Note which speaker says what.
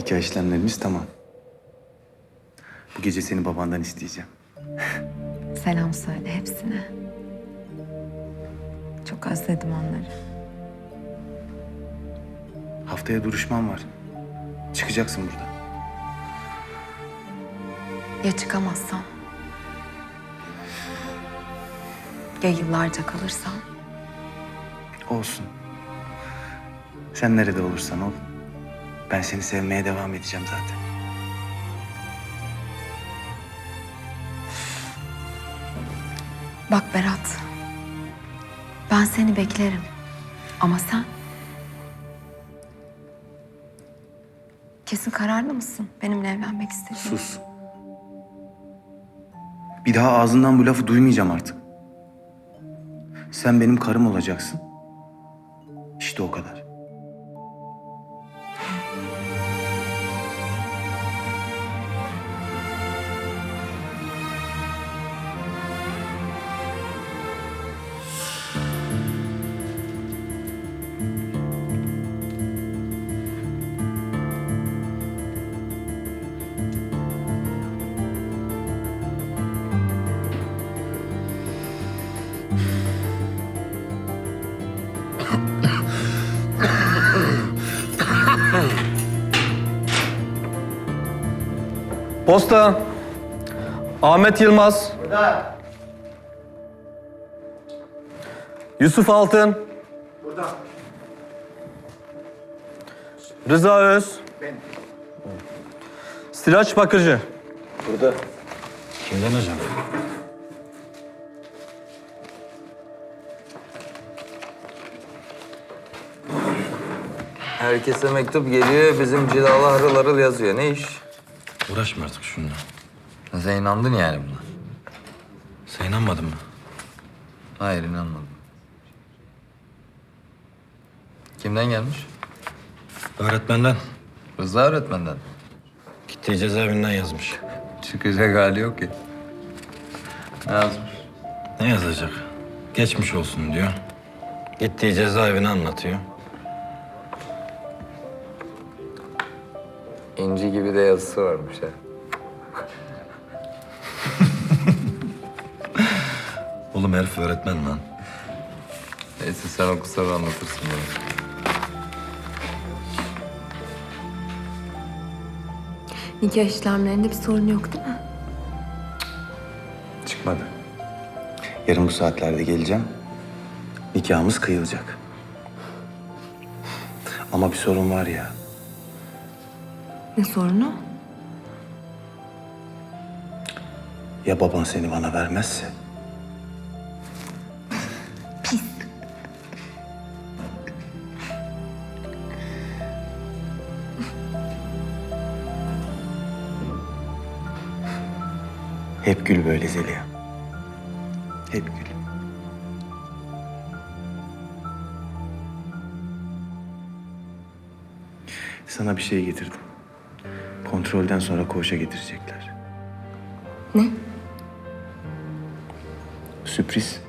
Speaker 1: Nikah işlemlerimiz tamam. Bu gece seni babandan isteyeceğim.
Speaker 2: Selam söyle hepsine. Çok özledim onları.
Speaker 1: Haftaya duruşman var. Çıkacaksın buradan.
Speaker 2: Ya çıkamazsam? Ya yıllarca kalırsam?
Speaker 1: Olsun. Sen nerede olursan ol. Ben seni sevmeye devam edeceğim zaten.
Speaker 2: Bak Berat. Ben seni beklerim. Ama sen? Kesin kararlı mısın benimle evlenmek istediğin?
Speaker 1: Sus. Bir daha ağzından bu lafı duymayacağım artık. Sen benim karım olacaksın. İşte o kadar.
Speaker 3: Posta. Ahmet Yılmaz.
Speaker 4: Burada.
Speaker 3: Yusuf Altın.
Speaker 4: Burada.
Speaker 3: Rıza Öz.
Speaker 4: Ben.
Speaker 3: Sıraç Bakıcı.
Speaker 4: Burada.
Speaker 1: Kimden hocam?
Speaker 5: Herkese mektup geliyor, bizim cilalı harıl harıl yazıyor. Ne iş?
Speaker 6: Uğraşma artık şununla.
Speaker 5: Sen inandın yani buna.
Speaker 6: Sen inanmadın mı?
Speaker 5: Hayır, inanmadım. Kimden gelmiş?
Speaker 6: Öğretmenden.
Speaker 5: Rıza öğretmenden.
Speaker 6: Gittiği cezaevinden yazmış.
Speaker 5: Çıkacak hali yok ki. Ne yazmış?
Speaker 6: Ne yazacak? Geçmiş olsun diyor. Gittiği cezaevini anlatıyor.
Speaker 5: İnci gibi de yazısı varmış ha.
Speaker 6: Oğlum herif öğretmen lan.
Speaker 5: Neyse sen oku sonra anlatırsın bana.
Speaker 2: Nikah işlemlerinde bir sorun yok değil mi?
Speaker 1: Çıkmadı. Yarın bu saatlerde geleceğim. Nikahımız kıyılacak. Ama bir sorun var ya.
Speaker 2: Ne sorunu?
Speaker 1: Ya baban seni bana vermezse?
Speaker 2: Pis.
Speaker 1: Hep gül böyle Zeliha. Hep gül. Sana bir şey getirdim. Kontrolden sonra koğuşa getirecekler.
Speaker 2: Ne?
Speaker 1: Sürpriz.